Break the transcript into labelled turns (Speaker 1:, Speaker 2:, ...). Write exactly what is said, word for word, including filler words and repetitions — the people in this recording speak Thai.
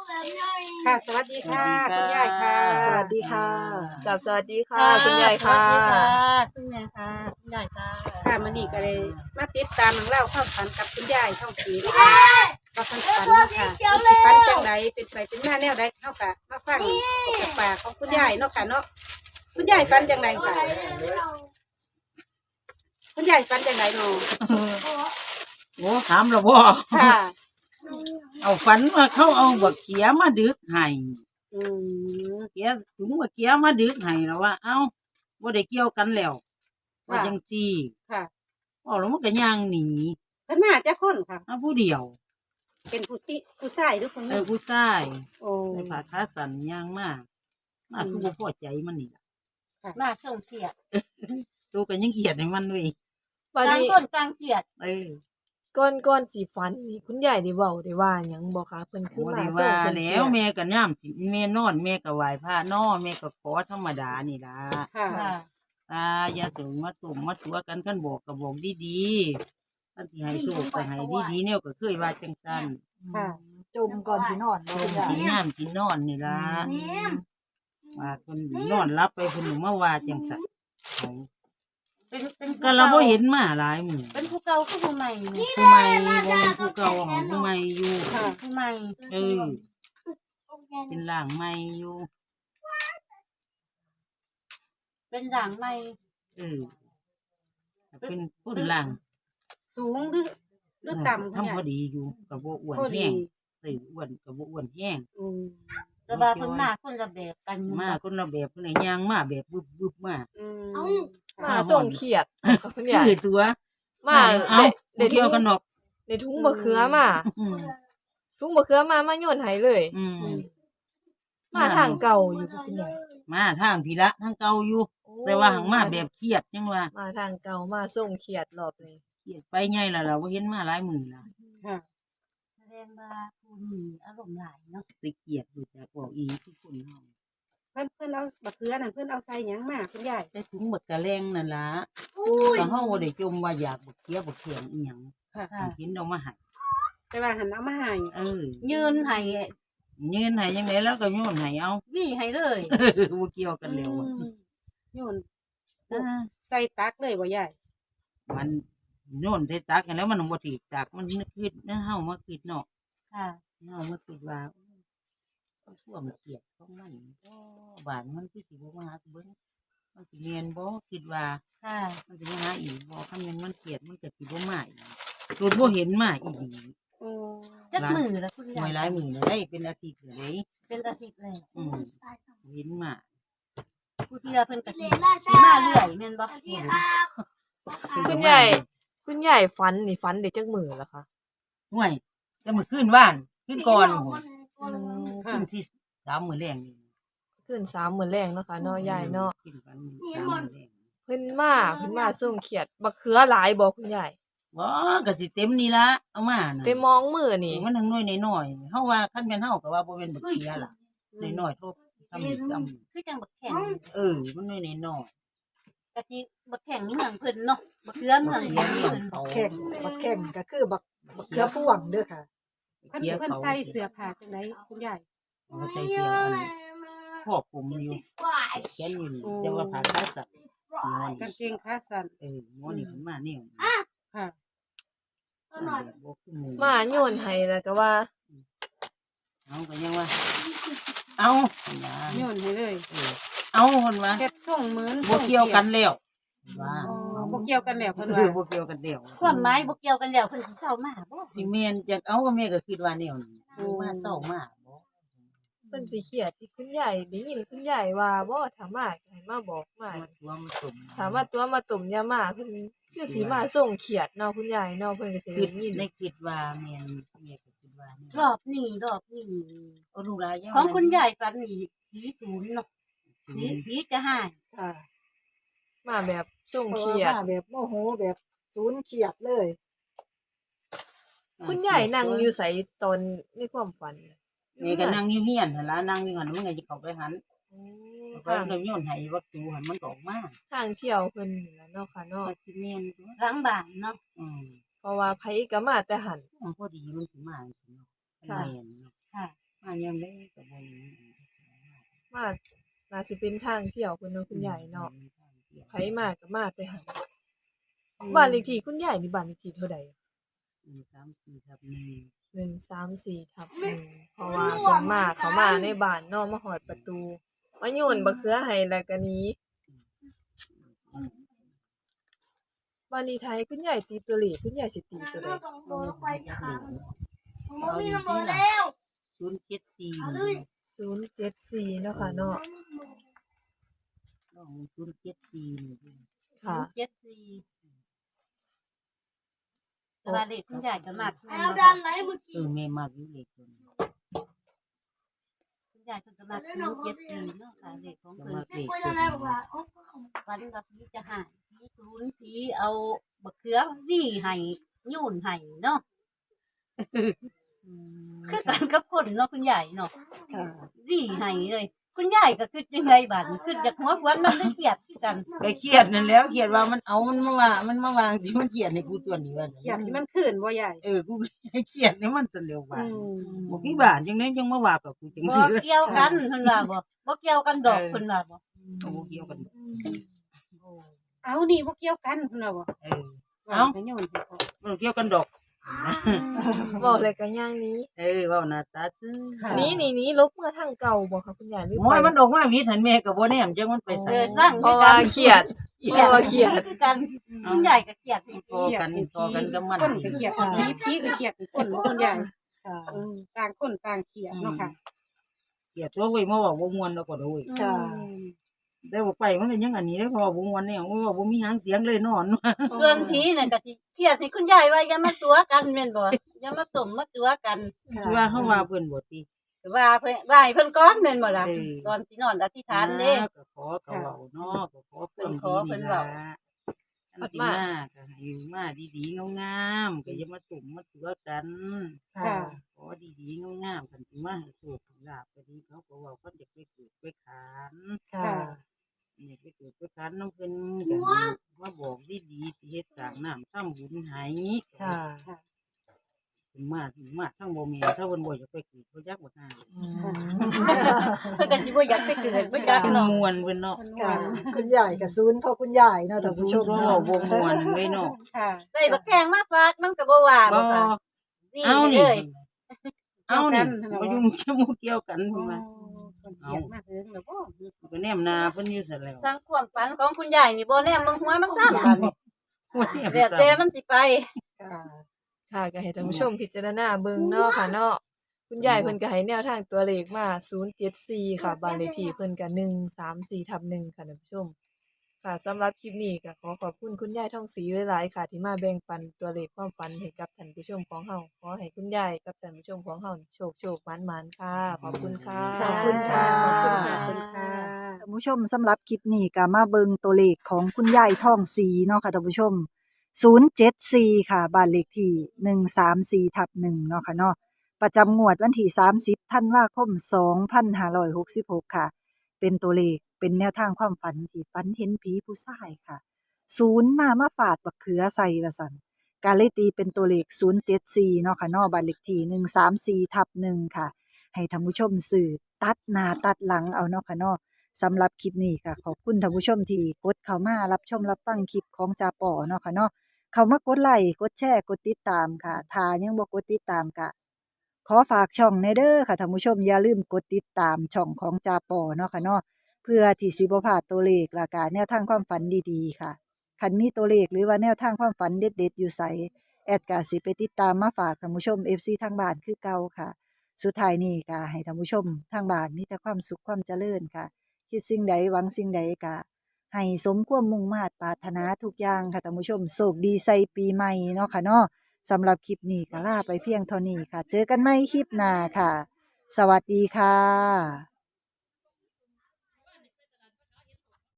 Speaker 1: ค่ะสวัสดีค่ะคุณยายค่ะ
Speaker 2: สวัสดีค่ะ
Speaker 3: กับสวัสดีค่ะ
Speaker 2: ค่ะ
Speaker 3: คุณยายค่ะ
Speaker 2: สวัสดีค่ะคุณยายค่ะคุณยายค่ะ
Speaker 1: ค่ะมันนี่ก็เลยมาติดตามเรื่องเล่าความฝันกับคุณยายท่องสีนะคะว่าฝันฝันเนาะค่ะมันสิฝันจังใดเป็นไปเป็นมาแนวใดเท่ากับมาฟังจากปากของคุณยายเนาะค่ะเนาะคุณยายฝันจังใดค่ะคุณยายฝันจังใดเนาะ
Speaker 4: โอ้ถามแล้วบ่
Speaker 1: ค่ะ
Speaker 4: เอาฝันว่าเขาเอาบักเขียมาดึกให้
Speaker 1: อืม
Speaker 4: เขียถุงบักเขียมาดึกให้แล้วว่า เอ้าบ่ได้เกี่ยวกันแล้วว่าจังซี่
Speaker 1: ค่ะ
Speaker 4: เอาแล้วมันก็ย่างหนี
Speaker 1: เพิ่นมาจากคนค่ะ
Speaker 4: เอาผู้เดียว
Speaker 1: เป็นผู้ซิผู้ชายหรือผู้ห
Speaker 4: เอ
Speaker 1: ญิ
Speaker 4: อง ผู้ชาย
Speaker 1: โอ้
Speaker 4: ใส่ผ้าขาสั้นย่างมามาคือบ่พอใจมันนี่ล่ะ
Speaker 2: มาส่งเกียรติ
Speaker 4: ตัวก็ยังเกลียดให้มันเว้ย
Speaker 3: วัน
Speaker 2: กลาง
Speaker 3: นี้
Speaker 2: ต้นกลางเกียรติ
Speaker 4: เออ
Speaker 3: ก่อนก่อนสีฟันนี่คุณยายได้เว้าได้ว่าหยังบ่คะเพิ่นคือ
Speaker 4: บ่
Speaker 3: มา
Speaker 4: ได้
Speaker 3: ส่ง
Speaker 4: ว่า
Speaker 3: เพิ่น
Speaker 4: แล้ว
Speaker 3: เที่ย
Speaker 4: แม่ก็ย่ามสิแม่นอนแม่ก็ไหว้พระนอแม่ก็ขอธรรมดานี่ล่ะ
Speaker 1: ค่ะ
Speaker 2: ค่ะ
Speaker 4: ตาอย่าถึงมาตุ่มมาตัวกันขั้นบอกกับบอกดีๆท่านที่ให้โชคก็ให้ดีๆเนี่ยก็เคยว่าจังสัน
Speaker 1: ค่ะ
Speaker 5: จมก่อนสินอน
Speaker 4: ต
Speaker 5: เนาะ
Speaker 4: ม
Speaker 5: คุณยาย
Speaker 4: กินน้ำกินนอนนี่ล่ะว่าคนนอนรับไปคนหนึ่งมาว่าจังสันเอา
Speaker 2: เป็นเป็น
Speaker 4: ก็เราบ่เห็นมาหลายหมู่
Speaker 2: เป็นผู้เก่าคือผู้ใหม่เนี่ย
Speaker 4: ผู้ใหม่บ่แม่นผู้เก่าของผู้ใหม่อยู่
Speaker 1: ค่ะ
Speaker 2: ผู้ใหม่
Speaker 4: เออเป็นร่างใหม่อยู่
Speaker 2: เป็นหลังใหม่
Speaker 4: เออเป็นคนร่าง
Speaker 1: สูงหรือหรือต่ำคุณ
Speaker 4: ทำ
Speaker 1: ยา
Speaker 4: พอย ดีอยู่กับบ่อ้วน
Speaker 1: พอดี
Speaker 4: แห้งเอออ้วนกับบ่อ้วนแห้ง
Speaker 1: อืม
Speaker 2: แต่ว่าเพิ่นมาคนละแบบกัน
Speaker 4: มาคนละแบบคนไหนย่างมาแบบบึบบึบมา
Speaker 1: อืม
Speaker 3: มาส่งเขียดกับคุณยาย
Speaker 4: คือตัว
Speaker 3: มา
Speaker 4: เอา
Speaker 3: ได้
Speaker 4: เที่ยวกันดอก
Speaker 3: ได้ถุงมะเขือมา
Speaker 4: อืม
Speaker 3: ถุงมะเขือมามาโยนให้เลย
Speaker 4: อืม
Speaker 3: มาทางเก่าอยู่บ่คุณยาย
Speaker 4: มาทางพีละทางเก่าอยู่ แต่ว่าหังมาแบบเครียดจังว่า
Speaker 3: มาทางเก่ามาส่งเขียดรอบนี้
Speaker 4: เครียดไปไงล่ะเราเห็นมาหลายหมื่นละ
Speaker 1: ค่ะ
Speaker 2: แสดงว่าผู้นี้อารมณ์หลายเนาะ
Speaker 4: ติเกียดอยู่จากบอกอีทุกคนเฮา
Speaker 1: เพื่อนเพื่อนเอาบักเขือนั่นเพื่อนเอาใส่หยังมาคุณยาย
Speaker 4: แต่ถุงบักกะแรงนั่นล่ะก็เฮาบ่ได้จมว่าอยากบักเขียบักเขียงอีหยัง
Speaker 1: ค่ะ
Speaker 4: เห็นเอามาให้
Speaker 1: แต่ว่าหันเอามาให้
Speaker 4: เออ
Speaker 2: ยืนให้
Speaker 4: ยืนให้จังไดแล้วก็โยนให้เอา
Speaker 2: วี่ให้เลย
Speaker 4: บ่เกี่ยวกันแล้วอะ
Speaker 1: อืมโยน
Speaker 4: อ่า
Speaker 1: ใส่ตักเลยบ่ยาย
Speaker 4: มันโยนใส่ตักกันแล้วมันบ่ถูกตักมันนึกคิดนะเฮามาคิดเนาะ
Speaker 2: ค่ะ
Speaker 4: เฮามาคิดว่าเอาช่วงเกียดของมันบ่บานมันคือสิบ่มาหาเบิ่งมันสิเรียนบ่คิดว่า
Speaker 2: ค่ะ
Speaker 4: มันสิมาหาอีกบ่คันแม่นมันเกลียดมันก็สิบ่มาอีกโดนบ่เห็นมาอีก
Speaker 1: โอ้
Speaker 2: จักมือแล้วคุณ
Speaker 4: หน่
Speaker 2: ยา
Speaker 4: วย
Speaker 2: ย
Speaker 4: หลายมื้อแล้วได้เป็นอาทิตย์แล้วเด้
Speaker 2: เป็นอาทิตย์เลย
Speaker 4: อืมเห็นมา
Speaker 2: ผู้ที่เพิ่นก็สิสิมาเรื่อยแม่นบ่
Speaker 3: คุณยายคุณยายฟันนี่ฟันได้จักมื้อแล้วคะ
Speaker 4: ห่วยแต่มื้อคืนว่านคืนก่อนโห
Speaker 3: อืม
Speaker 4: คืนที่สามมื้อแรงนี่
Speaker 3: ขึ้นสามมื้อแรงเนาะค่ะเนาะยายเนาะ
Speaker 4: กินกันสามมื้อแรง
Speaker 3: เพิ่นมาเพิ่นมาส่งเขียดบักเขือหลายบ่คุณยาย
Speaker 4: บ่ก็สิเต็มนี่ล่ะเอามาน่ะ
Speaker 3: เต็มมองมือนี่
Speaker 4: มันทั้งน้อยน้อยๆเฮาว่าคันแม่นเฮาก็ว่าบ่แม่นบักเขียล่ะน้อยๆโทบทำนี่ทำ
Speaker 2: คือจังบักแข็ง
Speaker 4: เออมันน้อยน้อย
Speaker 2: กะทิบักแข็งนี่เมืองเพิ่นเนาะบักเขือเมือง
Speaker 4: เขี
Speaker 2: เพิ่
Speaker 4: ย
Speaker 2: น
Speaker 4: เลี้ยงเขา
Speaker 5: แข่งบักแข่งก็คือบักบักเขือพ่วงเด้อค่ะ
Speaker 1: เพื่อน
Speaker 4: เขีย
Speaker 1: เพื่อน
Speaker 4: เขา
Speaker 1: ใส่เสื้อผ้าจังไดคุณยาย
Speaker 4: เขาใส่เสื้ออันครอบคลุมอยู่แขนอยู่นี่แต่ว่าผ้าขาสั้นนอน
Speaker 1: กางเกงขาสั้น
Speaker 4: เออหมอนี่ขึ้นมาเนี่ย
Speaker 1: ค่ะ
Speaker 4: บ่ขึ้นมือ
Speaker 3: มาโยนให้แล้วก็ว่า
Speaker 4: เอาก็ยังว่า เอานะ
Speaker 1: โยนให้เลย
Speaker 4: เออเอาคนว่า
Speaker 1: เฮ็ดส่งเหมือน
Speaker 4: บ่เกี่ยวกันแล้วว่า
Speaker 1: อ๋อบ่เกี่ยวกันแล้วเพิ่น
Speaker 4: เอ
Speaker 1: ว่า
Speaker 4: อบ่เกี่ยวกันแล้ว
Speaker 2: ความหมายบ่เกี่ยวกันแล้วเพิ่นสิเข้ามาบ่
Speaker 4: สิแม่นจักเอาก็แม่ก็คิดว่าแนวนี้มาเศร้ามาบ่
Speaker 3: เพิ่นสิเครียดที่คุณยายได้ยินคุณยายว่าบ่ถ้ามาก็ให้มาบอกมา
Speaker 4: มาตัวมาสม
Speaker 3: ถามว่าตัวมาตุ่มยามาเพิ่นคือสิมาส่งเขียดเนาะคุณยายเนาะเพิ่นก็สิ
Speaker 4: คิ
Speaker 3: ได้
Speaker 4: ด
Speaker 3: ยิน
Speaker 4: ในคิดว่าแม่นแม่ก็คิดว่าแม่น
Speaker 2: รอบนี้รอบนี้
Speaker 4: เอาลูกหลานยัง
Speaker 2: ของคุณยายฝันนี่ผีศูนย์เนาะผีผีจะหาย
Speaker 5: ค่ะ
Speaker 3: มาแบบส่ง
Speaker 5: เพราะ
Speaker 3: เขี
Speaker 5: ว่าย
Speaker 3: ด
Speaker 5: มาแบบโมโหแบบศูนย์เขียดเลย
Speaker 3: คุณยายนั่งอยู่ไสตอนในความฝัน
Speaker 4: แม่ก็นั่งอยู่เฮียนหั่นล่ะนั่งอยู่หั่นมันก็สิเข้าไปหัน
Speaker 3: อืม
Speaker 4: เพิ่
Speaker 3: ทาน ง
Speaker 4: ก็โยนให้วัตถุหันมันก็ออกมา
Speaker 3: ทางเที่ยวเพิ่นนี่ล่ะเนาะค่ะเนาะ
Speaker 4: ก็สิแม่นตัว
Speaker 2: หลังบ้านเนาะ
Speaker 4: อืม
Speaker 3: เพราะว่าไผก็มาแต่หัน
Speaker 4: มันพอดีมันสิมาจังซี่เนาะ
Speaker 3: ค่ะ
Speaker 4: แม่นเนาะ
Speaker 2: ค่ะ
Speaker 4: มายังมได้ก็บ่มี
Speaker 3: มาน่าสิเป็นทางเที่ยวเพิ่นเนาะคุณยายเนาะไผมาก็มาแต่หั่นบ้านเลขที่คุณยายนี่บ้านเลขที่เท่าใด
Speaker 4: หนึ่งสามสี่ทับหนึ่ง
Speaker 3: หนึ่งสามสี่ทับหนึ่งเพราะว่าเพิ่นมาเขามาในบ้านเนาะมาฮอดประตูมาโยนบักเขือให้แล้วก็หนีบ้านนี้ไทยคุณยายตีตัวเลขคุณยายสิตีตัวใด
Speaker 4: เอาดีๆล่ะศูนย์เจ็ดสี่
Speaker 3: ศูนย์เจ็ดสี่เนาะค่ะเนาะ
Speaker 4: ลองศูนย์เจ็ดสี่นี่ดิ
Speaker 3: ค่ะ
Speaker 2: เจ็ดสี่แต่ว่าเด็กคุณยายก็มากขึ้น
Speaker 6: เอาดันไหนเมื่อ
Speaker 4: เอ
Speaker 6: กี้
Speaker 4: อแม่มักอยู่เลขตัวนี้
Speaker 2: คุณยายเพิ่นก็มากขึ้นเจ็ดสี่เนาะค่ะเด็กของ
Speaker 4: จะ
Speaker 2: เพิ่น
Speaker 4: มักเลข
Speaker 6: คุย
Speaker 4: ตัว
Speaker 6: อะไร
Speaker 4: นี้
Speaker 6: บอกว่าโอ้ก็ขำ
Speaker 2: วันกับพี่จะหายพี่ศูนย์พี่เอาบักเขือวี่ให้โยุ่นให้เนาะคือกันกับคนเนาะคุณยายเนาะ
Speaker 5: ค่ะ
Speaker 2: วี่ให้เลย คุณยายก็คือจังไดบัดนี้คือจากหัวควันมันได้เครียดคือกัน
Speaker 4: ก็เครียดนั่นแล้วเครียดว่ามันเอามันมาว่ามันมาวางสิมันเครียดในกูตัวนี้ว่า
Speaker 1: อยากให้มันขึ้นบ่ใหญ่
Speaker 4: เออกูเครียดในมันจนเร็วว่า
Speaker 1: อืม
Speaker 4: บ่พี่บ้านจังได๋จังมาว่ากับกูจัง
Speaker 2: บ่
Speaker 4: ซี่
Speaker 2: เกี่ยวกันเพิ่นว่าบ่บ่เกี่ยวกันดอกเพิ่นว่าบ่
Speaker 4: เอาบ่เกี่ยวกัน
Speaker 1: เอานี่บ่เกี่ยวกันเพิ่นว่าบ่
Speaker 4: เออ
Speaker 1: เอ้าโยนให้พ่อ
Speaker 4: บ่เกี่ยวกันดอก
Speaker 3: บอกเลยก็ย่างนี้
Speaker 4: เออเว้าหน้าตาซื่อ
Speaker 5: ค่ะ
Speaker 3: นี้นี่นี้ลบเมื่อทางเก่าบ่ค่ะคุณยายหรือ
Speaker 4: โอ้
Speaker 3: ไป
Speaker 4: ยมันออกมาวิทย์หันแม่ก็บ่แนมจังมันไป
Speaker 2: เอ
Speaker 4: ใส่
Speaker 2: อสร้าง
Speaker 3: เพราะว่าเครียด
Speaker 2: เครียด
Speaker 3: เพราะว่าเครียด
Speaker 2: คือกันคุณยายก็เครียดอีก
Speaker 4: พอกันพอกันกับมัน
Speaker 1: คนก็เครียดผีผีก็เครียดคนบ่คุณยาย
Speaker 5: ค่ะ
Speaker 1: อืมต่างคนต่างเครียดเนาะค่ะ
Speaker 4: เกลียดตัวเว้ยมาเว้าบ่ม่วนแล้วก็โดย
Speaker 5: ค่ะ
Speaker 4: แต่ว่าไปมันก็ยังอันนี้ได้พอบ่ม่วนเนี่ยโอ้ยว่าบ่มีหางเสียงเลยนอน
Speaker 2: ส่วนผีน่ะก็สิเครียดให้คุณยายว่าอย่ามาตัวกันแม่นบ่อย่ามาต้มมาตัวกัน
Speaker 4: คือว่าเฮาว่าเพิ่นบ่ติ
Speaker 2: ว่าเพิ่นว่าให้เพิ่นก่อนแม่นบ่ล่ะ
Speaker 4: เออ
Speaker 2: ตอนสินอนอธิษฐานเด้
Speaker 4: ก็ขอเขาเว้าเนาะก็ขอเพิ่น
Speaker 2: ขอเพิ่นเว้า
Speaker 4: อันที่มาก็ให้อยู่มาดีๆงามๆก็อย่ามาตุ่มมาตัวกัน
Speaker 5: ค่ะ
Speaker 4: ขอดีๆงามๆกันสิมาให้โชคให้ลาภก็ดีเขาก็เว้าเพิ่นจะไปเกิดไปขาน
Speaker 5: ค่ะ
Speaker 4: นี่ไปเกิดไปขานน้ำเพิ่นก็มาบอกดีๆสิเฮ็ดสร้างน้ำทำบุญให้
Speaker 5: ค่ะ
Speaker 4: ถึงมาถึงมาทั้งบ่แม่นถ้าเพิ่นบ่อยากไปเกิดเพิ่นอยากบ่หา
Speaker 5: อืม
Speaker 2: เพิ่นก็สิบ่อยากไปเกิดบ่จัก
Speaker 4: เพิ่น
Speaker 2: เนาะ
Speaker 4: ม่วนเพิ่นเนาะ
Speaker 5: ค่ะ คุณยายกับศูนย์เพราะคุณยายเนาะท่านผู้ชม
Speaker 4: เพิ่น
Speaker 5: เนาะ
Speaker 4: เว้าบ่ม่วนเลยเนาะ
Speaker 1: ค่ะ
Speaker 2: ได้บักแข้งมาฝากมันก็บ่ว่า
Speaker 4: บ่
Speaker 2: บ่ค่ะนี่
Speaker 4: เอา
Speaker 2: เล
Speaker 4: นี่
Speaker 2: ย
Speaker 4: เอานี่บ่ยุ่งเกี่ยวเกี่ยวกัน
Speaker 1: อ๋
Speaker 4: เพิ่น
Speaker 1: อ
Speaker 4: ว่า
Speaker 1: คนเครียดมากเลยแล้วบ่
Speaker 4: ก็แนมหน้าเพิ่นอยู่ซั่นแล้ว
Speaker 2: สร้างความฝันของคุณยายนี่บ่แน่เบิ่งหัวมันซ้ํบัดนี้
Speaker 4: หัวแนม
Speaker 2: แล้วแต่มันสิไป
Speaker 5: ค่ะ
Speaker 3: ค่ะก็ให้ท่านผู้ชมพิจารณาเบิ่งเนาะค่ะเนาะคุณยายเพิ่นก็ให้แนวทางตัวเลขมาศูนย์เจ็ดสี่ค่ะบ้านเลขที่เพิ่นก็หนึ่งสามสี่ทับหนึ่งค่ะท่านผู้ชม ค่ะสำหรับคลิปนี้ก็ขอขอบคุณคุณยายทองศรีหลายๆค่ะ ที่มาแบ่งปันตัวเลขความฝันให้กับท่านผู้ชมของเฮาขอให้คุณยายกับท่านผู้ชมของเฮาโชคโชคหมานๆค่ะ ขอบคุณค่ะ
Speaker 5: ขอบคุณค่ะ
Speaker 1: ขอบคุณค่ะขอบคุณค่ะ
Speaker 5: ท่านผู้ชมสำหรับคลิปนี้ก็มาเบิงตัวเลขของคุณยายทองศรีเนาะค่ะท่านผู้ชม ศูนย์เจ็ดสี่ ค่ะบ้านเลขที่หนึ่งสามสี่ทับหนึ่งเนาะค่ะเนาะประจำงวดวันที่สามสิบธันวาคมสองพันห้าร้อยหกสิบหกค่ะ เป็นตัวเลขเป็นแนวทางความฝันที่ฝันเห็นผีผู้ชายค่ะ ศูนย์มามาฝาดบักเขือใส่ว่าซั่นกาเลยตีเป็นตัวเลขศูนย์เจ็ดสี่เนาะค่ะเนาะบ้านเลขที่หนึ่งสามสี่ทับหนึ่งค่ะ ให้ท่านผู้ชมสื่อตัดหน้าตัดหลังเอาเนาะค่ะเนาะสำหรับคลิปนี้ค่ะขอบคุณท่านผู้ชมที่กดเข้ามารับชมรับฟังคลิปของจาปอเนาะค่ะเนาะเข้ามากดไลค์กดแชร์กดติดตามค่ะถ้ายังบ่กดติดตามก็ขอฝากช่องในเด้อค่ะท่านผู้ชมอย่าลืมกดติดตามช่องของจาปอเนาะค่ะเนาะเพื่อที่สิบ่พลาดตัวเลขและก็แนวทางความฝันดีๆค่ะคันมีตัวเลขหรือว่าแนวทางความฝันเด็ดๆอยู่ไสแอดก็สิไปติดตามมาฝากท่านผู้ชม เอฟ ซี ทางบ้านคือเก่าค่ะ สุดท้ายนี้ก็ให้ท่านผู้ชมทางบ้านมีแต่ความสุขความเจริญค่ะ คิดสิ่งใดหวังสิ่งใดก็ให้สมความมุ่งมา่ปรารถนาทุกอย่างค่ะท่านผู้ชมโชคดีใส่ปีใหม่เนาะค่ะเนาะสำหรับคลิปนี้ก็ลาไปเพียงเท่านี้ค่ะ เจอกันใหม่คลิปหน้าค่ะ สวัสดีค่ะ